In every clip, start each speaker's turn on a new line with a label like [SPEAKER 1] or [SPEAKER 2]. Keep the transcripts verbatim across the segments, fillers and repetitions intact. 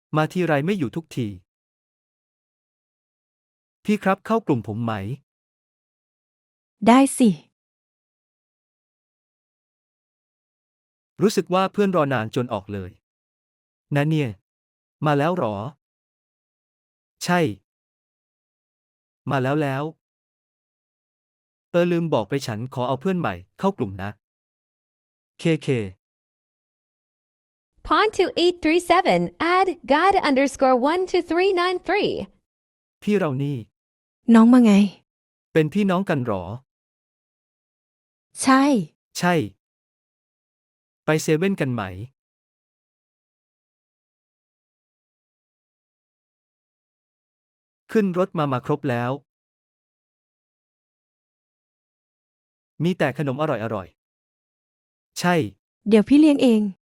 [SPEAKER 1] มาทีไรไม่อยู่ทุกที พี่ครับเข้ากลุ่มผมไหม
[SPEAKER 2] ได้สิ
[SPEAKER 1] รู้สึกว่าเพื่อนรอนานจนออกเลยนะเนี่ย มาแล้วหรอ ใช่ มาแล้วแล้ว เออลืมบอกไปฉันขอเอาเพื่อนใหม่เข้ากลุ่มนะ เคเค
[SPEAKER 3] Pond two eight three seven, add God underscore one two three nine three.
[SPEAKER 1] พี่เรานี่
[SPEAKER 2] น้องมาไง
[SPEAKER 1] เป็นพี่น้องกันหรอ
[SPEAKER 2] ใช่
[SPEAKER 1] ใช่ ไปเซเว่นกันไหม ขึ้นรถมามาครบแล้ว มีแต่ขนมอร่อยๆ ใช่
[SPEAKER 2] เดี๋ยวพี่เลี้ยงเอง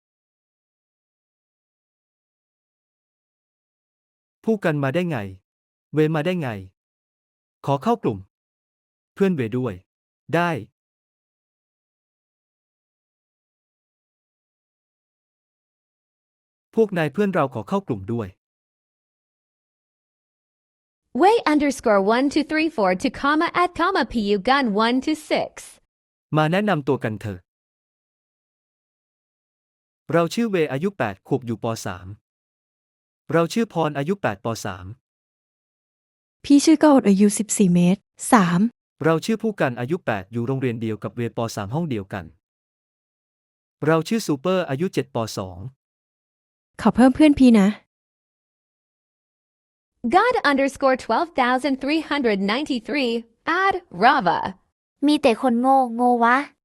[SPEAKER 1] พูดกันมาได้ไง เวมาได้ไง ขอเข้ากลุ่ม เพื่อนเวด้วย ได้ พวกนายเพื่อนเราขอเข้ากลุ่มด้วย
[SPEAKER 3] Way underscore one two three four to comma at comma pu gun one two six.
[SPEAKER 1] มาแนะนำตัวกันเถอะ เราชื่อเวอายุแปดขวบอยู่ป สาม เราชื่อพรอายุแปดป สาม
[SPEAKER 2] พี่ชื่อก็อดอายุสิบสี่เมตร สาม
[SPEAKER 1] เราชื่อผู้กันอายุแปดอยู่โรงเรียนเดียวกับเวป สาม ห้องเดียวกัน เราชื่อซูเปอร์อายุเจ็ดป สอง
[SPEAKER 2] ขอเพิ่มเพื่อนพี่นะ
[SPEAKER 3] God underscore twelve thousand three hundred ninety three, add Rava.
[SPEAKER 4] มีแต่คนโง่โง่วะ